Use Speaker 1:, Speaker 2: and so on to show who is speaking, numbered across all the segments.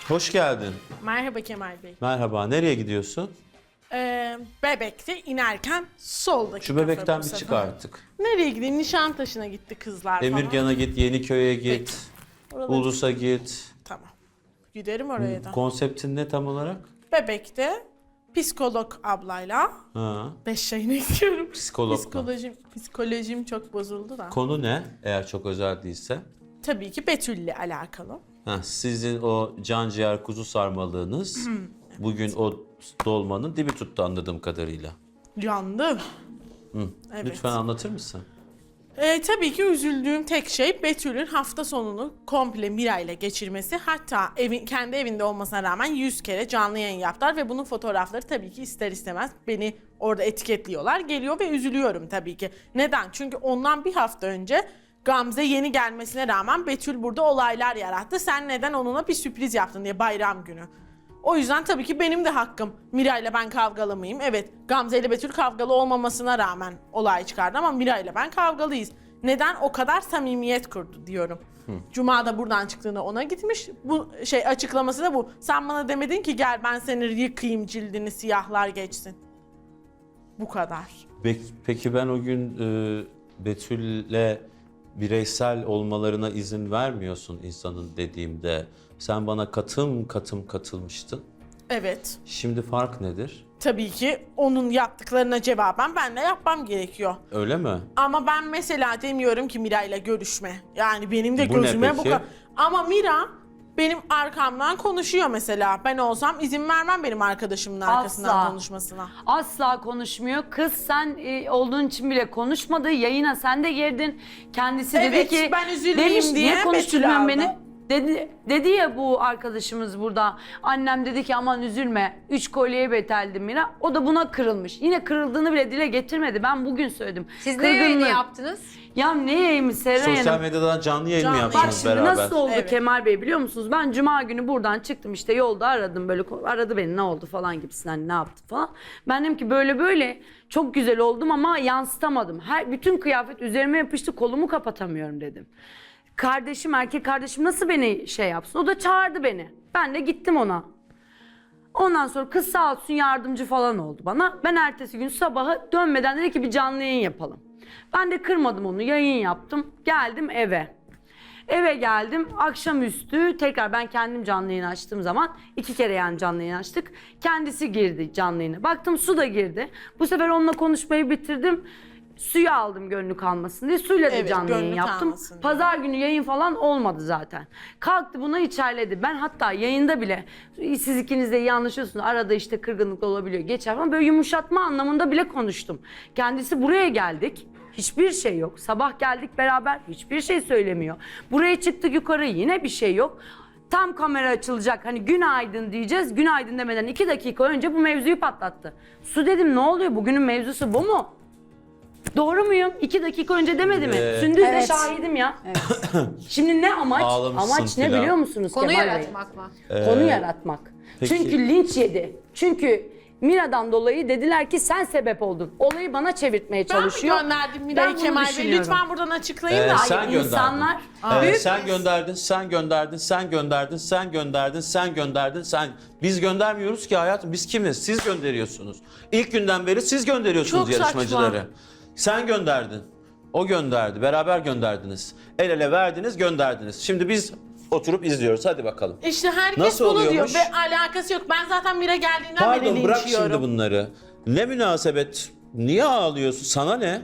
Speaker 1: Hoş geldin.
Speaker 2: Merhaba Kemal Bey.
Speaker 1: Merhaba. Nereye gidiyorsun?
Speaker 2: Bebek'te inerken soldaki
Speaker 1: Şu
Speaker 2: kafe
Speaker 1: bebekten
Speaker 2: bu
Speaker 1: bir
Speaker 2: sefer.
Speaker 1: çık artık.
Speaker 2: Nereye gideyim? Nişantaşı'na gitti kızlar falan.
Speaker 1: Emirgan'a git, Yeniköy'e git,
Speaker 2: Peki. Oraları-
Speaker 1: Ulus'a git.
Speaker 2: Tamam. Giderim oraya da.
Speaker 1: Konseptin ne tam olarak?
Speaker 2: Bebek'te psikolog ablayla
Speaker 1: Ha.
Speaker 2: 5 yayına gidiyorum.
Speaker 1: Psikologla.
Speaker 2: Psikolojim çok bozuldu da.
Speaker 1: Konu ne? Eğer çok özel değilse.
Speaker 2: Tabii ki Betül'le alakalı.
Speaker 1: Ha, sizin o can ciğer kuzu sarmalığınız bugün o dolmanın dibi tuttu anladığım kadarıyla.
Speaker 2: Yandı. Evet.
Speaker 1: Lütfen anlatır mısın?
Speaker 2: Tabii ki üzüldüğüm tek şey Betül'ün hafta sonunu komple Mira ile geçirmesi. Hatta kendi evinde olmasına rağmen 100 kere canlı yayın yaptılar ve bunun fotoğrafları tabii ki ister istemez beni orada etiketliyorlar. Geliyor ve üzülüyorum tabii ki. Neden? Çünkü ondan bir hafta önce Gamze yeni gelmesine rağmen Betül burada olaylar yarattı. Sen neden onunla bir sürpriz yaptın diye bayram günü. O yüzden tabii ki benim de hakkım. Mira ile ben kavgalı mıyım? Evet, Gamze ile Betül kavgalı olmamasına rağmen olay çıkardı ama Mira ile ben kavgalıyız. Neden o kadar samimiyet kurdu diyorum. Cuma da buradan çıktığında ona gitmiş. Bu açıklaması da bu. Sen bana demedin ki gel ben seni yıkayayım cildini siyahlar geçsin. Bu kadar.
Speaker 1: Peki ben o gün Betül'le bireysel olmalarına izin vermiyorsun insanın dediğimde. Sen bana katım katılmıştın.
Speaker 2: Evet.
Speaker 1: Şimdi fark nedir?
Speaker 2: Tabii ki onun yaptıklarına cevaben ben de yapmam gerekiyor.
Speaker 1: Öyle mi?
Speaker 2: Ama ben mesela demiyorum ki Mira ile görüşme. Yani benim de
Speaker 1: Bu ne
Speaker 2: gözüme bu
Speaker 1: peki?
Speaker 2: kadar. Ama Mira benim arkamdan konuşuyor mesela. Ben olsam izin vermem benim arkadaşımın arkasından
Speaker 3: Asla.
Speaker 2: konuşmasına.
Speaker 3: Asla konuşmuyor. Kız sen olduğun için bile konuşmadı. Yayına sen de girdin. Kendisi dedi
Speaker 2: Evet,
Speaker 3: ki...
Speaker 2: ben üzülmeyeyim diye
Speaker 3: niye konuşturmuyorsun
Speaker 2: Betül
Speaker 3: beni?
Speaker 2: aldı."
Speaker 3: Dedi ya bu arkadaşımız burada. Annem dedi ki aman üzülme. 3 kolyeye beteldi Mira. O da buna kırılmış. Yine kırıldığını bile dile getirmedi. Ben bugün söyledim.
Speaker 4: Siz ne yayını
Speaker 3: Kırgınlığı.
Speaker 4: yaptınız?
Speaker 3: Ya ne yayını Seren
Speaker 1: Sosyal
Speaker 3: Hanım?
Speaker 1: medyadan canlı yayın mı
Speaker 2: Canlı
Speaker 3: Bak
Speaker 1: yaptınız
Speaker 3: şimdi
Speaker 1: beraber?
Speaker 3: nasıl oldu
Speaker 2: Evet.
Speaker 3: Kemal Bey biliyor musunuz? Ben cuma günü buradan çıktım işte yolda aradım böyle aradı beni ne oldu falan gibisinden ne yaptı falan. Ben dedim ki böyle böyle çok güzel oldum ama yansıtamadım. Bütün kıyafet üzerime yapıştı kolumu kapatamıyorum dedim. Kardeşim erkek kardeşim nasıl beni şey yapsın? O da çağırdı beni. Ben de gittim ona. Ondan sonra kız sağ olsun yardımcı falan oldu bana. Ben ertesi gün sabahı dönmeden dedi ki bir canlı yayın yapalım. Ben de kırmadım onu yayın yaptım. Geldim eve. Eve geldim akşamüstü tekrar ben kendim canlı yayın açtığım zaman 2 kere yani canlı yayın açtık. Kendisi girdi canlı yayına. Baktım Su da girdi. Bu sefer onunla konuşmayı bitirdim. Suyu aldım gönlü kalmasın diye. Suyla da
Speaker 2: Evet,
Speaker 3: canlı yayın
Speaker 2: gönlü
Speaker 3: yaptım.
Speaker 2: kalmasın diye.
Speaker 3: Pazar günü yayın falan olmadı zaten. Kalktı buna içerledi. Ben hatta yayında bile siz ikiniz de iyi anlaşıyorsunuz. Arada işte kırgınlık olabiliyor. Geçer falan böyle yumuşatma anlamında bile konuştum. Kendisi buraya geldik. Hiçbir şey yok. Sabah geldik beraber hiçbir şey söylemiyor. Buraya çıktık yukarı yine bir şey yok. Tam kamera açılacak hani günaydın diyeceğiz. Günaydın demeden 2 dakika önce bu mevzuyu patlattı. Su dedim ne oluyor bugünün mevzusu bu mu? Doğru muyum? 2 dakika önce demedi mi? Sündüz de
Speaker 4: Evet.
Speaker 3: şahidim ya. Şimdi ne amaç?
Speaker 1: Ağlamışsın
Speaker 3: Amaç ne
Speaker 1: filan.
Speaker 3: biliyor musunuz
Speaker 4: Konu
Speaker 3: Kemal Bey?
Speaker 4: yaratmak mı?
Speaker 3: Konu yaratmak.
Speaker 1: peki-
Speaker 3: Çünkü linç yedi. Çünkü Mira'dan dolayı dediler ki sen sebep oldun. Olayı bana çevirtmeye
Speaker 2: Ben mi
Speaker 3: çalışıyor.
Speaker 2: gönderdim
Speaker 3: Ben
Speaker 2: Mira'yı
Speaker 3: bunu
Speaker 2: Kemal Bey?
Speaker 3: düşünüyorum.
Speaker 2: Lütfen buradan açıklayın da.
Speaker 1: Sen
Speaker 3: Hayır,
Speaker 1: gönderdin.
Speaker 3: insanlar
Speaker 1: Sen gönderdin, sen gönderdin, sen gönderdin, sen gönderdin, sen gönderdin, sen... Biz göndermiyoruz ki hayatım, biz kimiz? Siz gönderiyorsunuz. İlk günden beri siz gönderiyorsunuz
Speaker 2: Çok
Speaker 1: yarışmacıları.
Speaker 2: saçma.
Speaker 1: Sen gönderdin, o gönderdi, beraber gönderdiniz. El ele verdiniz, gönderdiniz. Şimdi biz oturup izliyoruz, hadi bakalım.
Speaker 2: İşte herkes
Speaker 1: Nasıl
Speaker 2: bunu diyor
Speaker 1: oluyormuş?
Speaker 2: ve alakası yok. Ben zaten Mira geldiğinden beri
Speaker 1: Pardon, bırak şimdi
Speaker 2: linçliyorum.
Speaker 1: bunları. Ne münasebet, niye ağlıyorsun? Sana ne?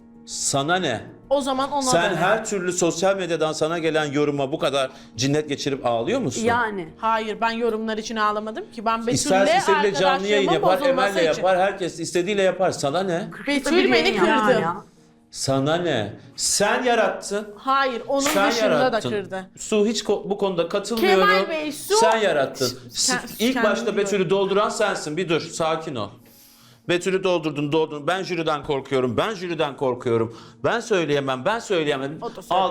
Speaker 1: Sana ne?
Speaker 2: O zaman ona
Speaker 1: Sen
Speaker 2: da ne?
Speaker 1: her türlü sosyal medyadan sana gelen yoruma bu kadar cinnet geçirip ağlıyor musun?
Speaker 3: yani.
Speaker 2: Hayır ben yorumlar için ağlamadım ki. Ben Betül'le
Speaker 1: İsterse istediğiyle canlı yayın
Speaker 2: arkadaşlığımın
Speaker 1: yapar,
Speaker 2: bozulması
Speaker 1: Emel'le
Speaker 2: için.
Speaker 1: yapar, herkes istediğiyle yapar. Sana ne?
Speaker 2: Betül
Speaker 3: Bir
Speaker 2: beni
Speaker 3: yayın
Speaker 2: kırdı.
Speaker 3: ya.
Speaker 1: Sana ne? Sen yarattın.
Speaker 2: Hayır onun
Speaker 1: Sen
Speaker 2: dışında
Speaker 1: yarattın.
Speaker 2: da kırdı.
Speaker 1: Su hiç bu konuda katılmıyorum.
Speaker 2: Kemal Bey, Su-
Speaker 1: Sen yarattın. İlk
Speaker 2: kendim
Speaker 1: başta
Speaker 2: diyorum.
Speaker 1: Betül'ü dolduran sensin. Bir dur, sakin ol. Betül'ü doldurdun. Ben jüriden korkuyorum. Ben jüriden korkuyorum. Ben söyleyemem. Ben söyleyemem.
Speaker 2: O da söylemez.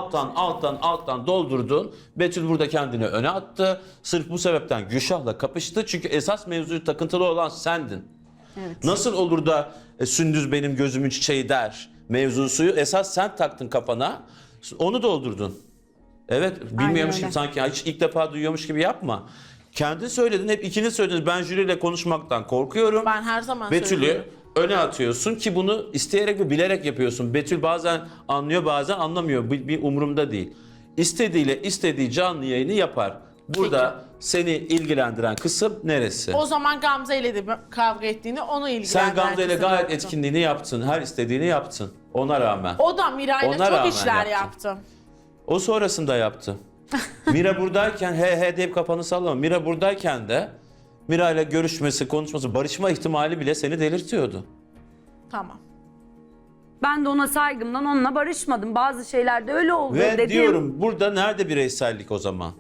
Speaker 1: Alttan doldurdun. Betül burada kendini öne attı. Sırf bu sebepten Gülşah'la kapıştı. Çünkü esas mevzuyu takıntılı olan sendin.
Speaker 3: Evet.
Speaker 1: Nasıl olur da Sündüz benim gözümün çiçeği der mevzusuyu esas sen taktın kafana. Onu doldurdun. Evet, bilmiyormuş
Speaker 3: öyle.
Speaker 1: gibi sanki hiç ilk defa duyuyormuş gibi yapma. Kendin söyledin, hep ikiniz söylediniz. Ben jüriyle konuşmaktan korkuyorum.
Speaker 2: Ben her zaman
Speaker 1: Betül'ü
Speaker 2: söylüyorum.
Speaker 1: öne atıyorsun ki bunu isteyerek ve bilerek yapıyorsun. Betül bazen anlıyor, bazen anlamıyor. Bir umurumda değil. İstediğiyle istediği canlı yayını yapar. Burada seni ilgilendiren kısım neresi?
Speaker 2: O zaman Gamze ile de kavga ettiğini onu ilgilendiren
Speaker 1: Sen Gamze ile
Speaker 2: kısım
Speaker 1: gayet
Speaker 2: yoktu.
Speaker 1: etkinliğini yaptın. Her istediğini yaptın. Ona rağmen.
Speaker 2: O da Miray'la
Speaker 1: Ona
Speaker 2: çok
Speaker 1: rağmen
Speaker 2: işler
Speaker 1: yaptın.
Speaker 2: yaptı.
Speaker 1: O sonrasında yaptı. Mira buradayken he deyip kafanı sallama. Mira buradayken de Mira ile görüşmesi, konuşması, barışma ihtimali bile seni delirtiyordu.
Speaker 2: Tamam.
Speaker 3: Ben de ona saygımdan onunla barışmadım. Bazı şeylerde öyle oldu
Speaker 1: Ve
Speaker 3: dedim.
Speaker 1: diyorum burada nerede bireysellik o zaman?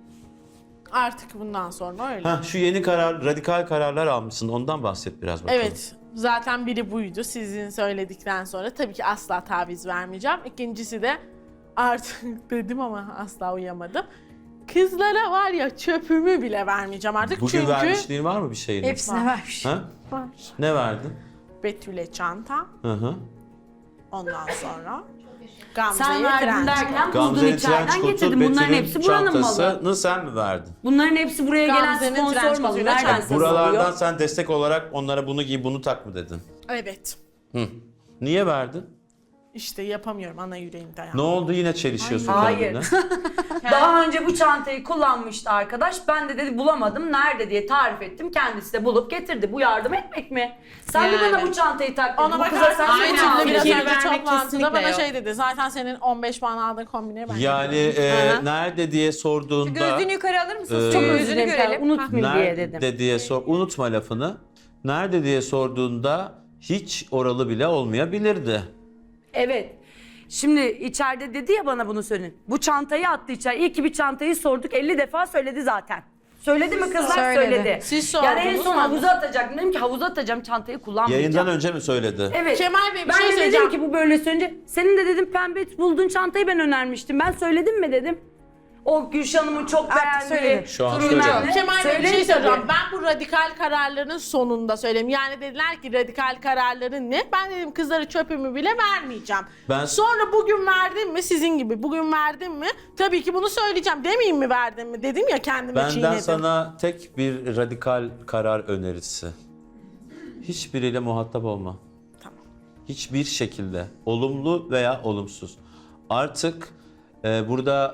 Speaker 2: Artık bundan sonra öyle.
Speaker 1: Heh, şu yeni radikal kararlar almışsın. Ondan bahset biraz bakalım.
Speaker 2: Evet. Zaten biri buydu sizin söyledikten sonra. Tabii ki asla taviz vermeyeceğim. İkincisi de artık dedim ama asla uyamadım. Kızlara var ya çöpümü bile vermeyeceğim artık.
Speaker 1: Bugün
Speaker 2: Çünkü
Speaker 1: vermişliğin var mı bir şeyini?
Speaker 4: Hepsine vermiş.
Speaker 1: Ha?
Speaker 2: var.
Speaker 1: Ne verdin?
Speaker 2: Betül'e çanta.
Speaker 1: Hı hı.
Speaker 2: Ondan sonra
Speaker 3: Sen
Speaker 2: Gamze'ye
Speaker 3: verdin
Speaker 2: tren.
Speaker 3: derken buldun
Speaker 1: Gamze'nin
Speaker 3: içeriden
Speaker 1: trenç kotu,
Speaker 3: getirdim. Bunların
Speaker 1: Betül'ün
Speaker 3: hepsi buranın malı.
Speaker 1: çantasını sen mi verdin?
Speaker 3: Bunların hepsi buraya gelen
Speaker 2: Gamze'nin
Speaker 3: sponsor
Speaker 2: trenç
Speaker 3: malı.
Speaker 2: kotuyla
Speaker 3: Nereden
Speaker 2: çantası.
Speaker 1: Buralardan
Speaker 3: satılıyor?
Speaker 1: sen destek olarak onlara bunu giy, bunu tak mı dedin?
Speaker 2: Evet.
Speaker 1: Hı. Niye verdin?
Speaker 2: İşte yapamıyorum ana yüreğim dayan.
Speaker 1: Ne oldu, yine çelişiyorsun
Speaker 3: Hayır.
Speaker 1: kendine?
Speaker 3: Daha önce bu çantayı kullanmıştı arkadaş. Ben de dedi bulamadım. Nerede diye tarif ettim. Kendisi de bulup getirdi. Bu yardım etmek mi? Sen de
Speaker 4: Yani.
Speaker 3: bana bu çantayı tak dedin.
Speaker 2: Ona
Speaker 3: Bu kıza sen
Speaker 2: bakarsan
Speaker 3: mi
Speaker 4: Aynen,
Speaker 3: çanta
Speaker 2: Betül'le biraz
Speaker 4: fikir
Speaker 2: önce
Speaker 4: vermek
Speaker 2: toplantıda
Speaker 4: kesinlikle
Speaker 2: bana
Speaker 4: yok.
Speaker 2: şey dedi. Zaten senin 15 puan aldığın kombine ben.
Speaker 1: Yani
Speaker 2: Hı hı.
Speaker 1: nerede diye sorduğunda...
Speaker 4: Gözlüğünü yukarı alır mısınız?
Speaker 3: Çok
Speaker 4: Çok
Speaker 3: özür
Speaker 4: yüzünü
Speaker 3: dilerim.
Speaker 4: görelim.
Speaker 3: Unutmayayım diye
Speaker 1: Nerede
Speaker 3: dedim.
Speaker 1: diye sor, unutma lafını. Nerede diye sorduğunda hiç oralı bile olmayabilirdi.
Speaker 3: Evet. Şimdi içeride dedi ya bana bunu söyleyin. Bu çantayı attı içeri. İyi ki bir çantayı sorduk. 50 defa söyledi zaten. Söyledi mi kızlar?
Speaker 4: Söyledi.
Speaker 3: Söyledi.
Speaker 2: Siz
Speaker 3: Yani en
Speaker 2: sordunuz
Speaker 3: son
Speaker 2: mu?
Speaker 3: havuza atacaktım. Dedim ki havuza atacağım çantayı kullanmayacağım.
Speaker 1: Yayından önce mi söyledi?
Speaker 3: Evet.
Speaker 2: Kemal Bey, bir
Speaker 3: ben
Speaker 2: şey
Speaker 3: de dedim
Speaker 2: söyleyeceğim.
Speaker 3: ki bu böyle söyleyince senin de dedim pembe bulduğun çantayı ben önermiştim. Ben söyledim mi dedim. O Gülşah'ımın çok beğendiği.
Speaker 4: söyledi.
Speaker 1: Şu an
Speaker 3: bilmem
Speaker 1: söyledi.
Speaker 3: ne.
Speaker 2: Kemal Bey bir
Speaker 3: Söyleyin
Speaker 2: şey söyleyeceğim.
Speaker 3: tabii.
Speaker 2: Ben bu radikal kararların sonunda söyleyeyim. Yani dediler ki radikal kararların ne? Ben dedim kızlara çöpümü bile vermeyeceğim.
Speaker 1: Ben-
Speaker 2: Sonra bugün verdim mi sizin gibi bugün verdim mi? Tabii ki bunu söyleyeceğim. Demeyeyim mi verdim mi? Dedim ya kendime
Speaker 1: Benden
Speaker 2: çiğnedim.
Speaker 1: sana tek bir radikal karar önerisi. Hiçbiriyle muhatap olma.
Speaker 2: Tamam.
Speaker 1: Hiçbir şekilde. Olumlu veya olumsuz. Artık burada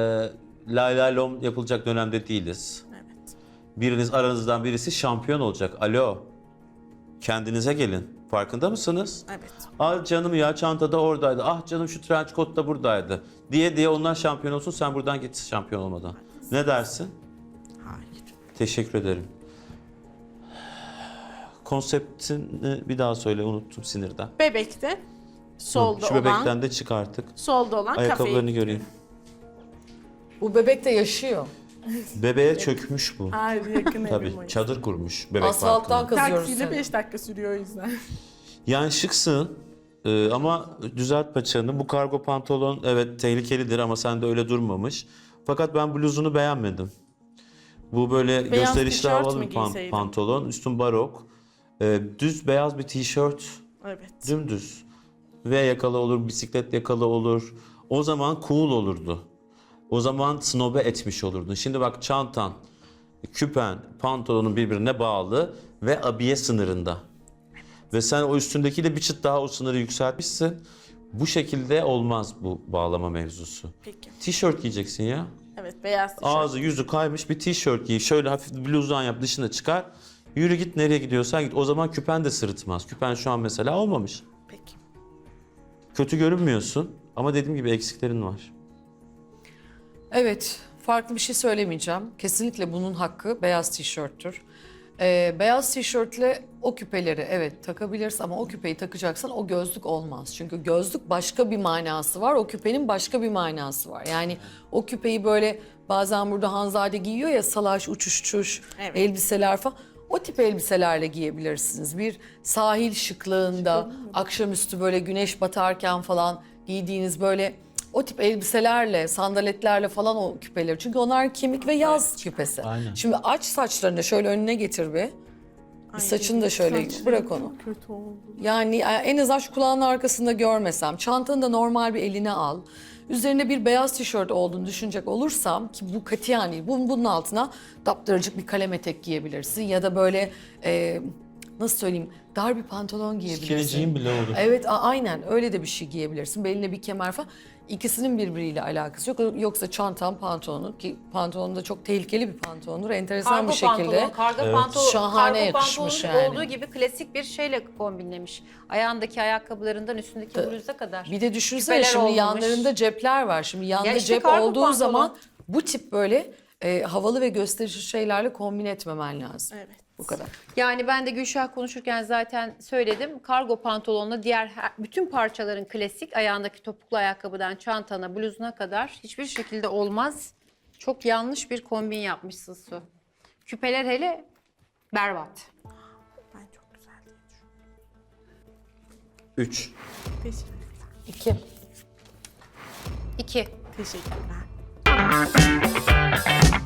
Speaker 1: lay lay lom yapılacak dönemde değiliz.
Speaker 2: Evet.
Speaker 1: Biriniz, aranızdan birisi şampiyon olacak. Alo. Kendinize gelin. Farkında mısınız?
Speaker 2: Evet.
Speaker 1: Ah canım ya çantada oradaydı. Ah canım şu trench coat da buradaydı. Diye onlar şampiyon olsun, sen buradan git şampiyon olmadan. Ne dersin?
Speaker 2: Hayır.
Speaker 1: Teşekkür ederim. Konseptini bir daha söyle, unuttum sinirden.
Speaker 2: Bebekte solda
Speaker 1: Şu
Speaker 2: olan
Speaker 1: bebekten de çık artık.
Speaker 2: solda olan
Speaker 1: Ayakkabılarını
Speaker 2: kafeyi.
Speaker 1: göreyim.
Speaker 5: Bu bebek de yaşıyor.
Speaker 1: Bebeğe çökmüş bu.
Speaker 2: Hayır yakın
Speaker 1: Tabii
Speaker 2: evim o.
Speaker 1: çadır kurmuş bebek
Speaker 5: Asfalttan
Speaker 1: parkına.
Speaker 5: kazıyoruz
Speaker 2: Taksiyle
Speaker 5: seni.
Speaker 2: 5 dakika sürüyor o yüzden.
Speaker 1: Yani şıksın ama düzelt paçanı. Bu kargo pantolon evet tehlikelidir ama sende öyle durmamış. Fakat ben bluzunu beğenmedim. Bu böyle
Speaker 2: Beyaz
Speaker 1: gösterişli
Speaker 2: tişört
Speaker 1: havalı
Speaker 2: mü
Speaker 1: bir
Speaker 2: giyseydim?
Speaker 1: pantolon. Üstün barok. Düz beyaz bir tişört.
Speaker 2: Evet.
Speaker 1: Dümdüz. V yakalı olur, bisiklet yakalı olur. O zaman cool olurdu. O zaman snobe etmiş olurdun. Şimdi bak çantan, küpen, pantolonun birbirine bağlı ve abiye sınırında. Ve sen o üstündekiyle bir çıt daha o sınırı yükseltmişsin. Bu şekilde olmaz bu bağlama mevzusu.
Speaker 2: Peki.
Speaker 1: Tişört giyeceksin ya.
Speaker 2: Evet beyaz tişört.
Speaker 1: Ağzı yüzü kaymış bir tişört giy. Şöyle hafif bluzdan yap, dışına çıkar. Yürü git, nereye gidiyorsan git. O zaman küpen de sırıtmaz. Küpen şu an mesela olmamış.
Speaker 2: Peki.
Speaker 1: Kötü görünmüyorsun ama dediğim gibi eksiklerin var.
Speaker 5: Evet, farklı bir şey söylemeyeceğim. Kesinlikle bunun hakkı beyaz tişörttür. Beyaz tişörtle o küpeleri evet takabilirsin ama o küpeyi takacaksan o gözlük olmaz. Çünkü gözlük başka bir manası var, o küpenin başka bir manası var. Yani o küpeyi böyle bazen burada Hanzade giyiyor ya salaş, uçuşçuş
Speaker 2: Evet.
Speaker 5: elbiseler falan. O tip elbiselerle giyebilirsiniz. Bir sahil şıklığında, akşamüstü böyle güneş batarken falan giydiğiniz böyle o tip elbiselerle, sandaletlerle falan o küpeleri. Çünkü onlar kemik ve yaz küpesi.
Speaker 1: Aynen.
Speaker 5: Şimdi aç saçlarını şöyle önüne getir bir. Bir saçını da şöyle bırak onu.
Speaker 2: Kötü oldu.
Speaker 5: Yani en azından şu kulağının arkasında görmesem. Çantanı da normal bir eline al. Üzerine bir beyaz tişört olduğunu düşünecek olursam ki bu katiyen değil. Bunun altına daptaracık bir kalem etek giyebilirsin ya da böyle nasıl söyleyeyim dar bir pantolon giyebilirsin.
Speaker 1: Skinny bile olur.
Speaker 5: Evet aynen öyle de bir şey giyebilirsin. Beline bir kemer falan. İkisinin birbiriyle alakası yok. Yoksa çantam pantolonu ki pantolon da çok tehlikeli bir pantolondur. Enteresan bir şekilde.
Speaker 4: Kargo pantolon,
Speaker 5: Şahane
Speaker 4: kargo
Speaker 5: yakışmış
Speaker 4: pantolonun
Speaker 5: yani.
Speaker 4: olduğu gibi klasik bir şeyle kombinlemiş. Ayağındaki ayakkabılarından üstündeki bluza kadar.
Speaker 5: Bir de düşünsene
Speaker 4: Küpeler
Speaker 5: şimdi
Speaker 4: olmamış.
Speaker 5: yanlarında cepler var. Şimdi yanında
Speaker 4: Ya işte
Speaker 5: cep
Speaker 4: kargo
Speaker 5: olduğu
Speaker 4: pantolon.
Speaker 5: zaman bu tip böyle havalı ve gösterişli şeylerle kombin etmemen lazım.
Speaker 2: Evet.
Speaker 5: Bu kadar.
Speaker 4: Yani ben de Gülşah konuşurken zaten söyledim. Kargo pantolonla diğer bütün parçaların klasik. Ayağındaki topuklu ayakkabıdan çantana, bluzuna kadar hiçbir şekilde olmaz. Çok yanlış bir kombin yapmışsın Su. Küpeler hele berbat.
Speaker 2: Ben çok güzel diye düşünüyorum.
Speaker 1: 3.
Speaker 2: Teşekkürler.
Speaker 5: 2.
Speaker 4: 2.
Speaker 2: Teşekkürler.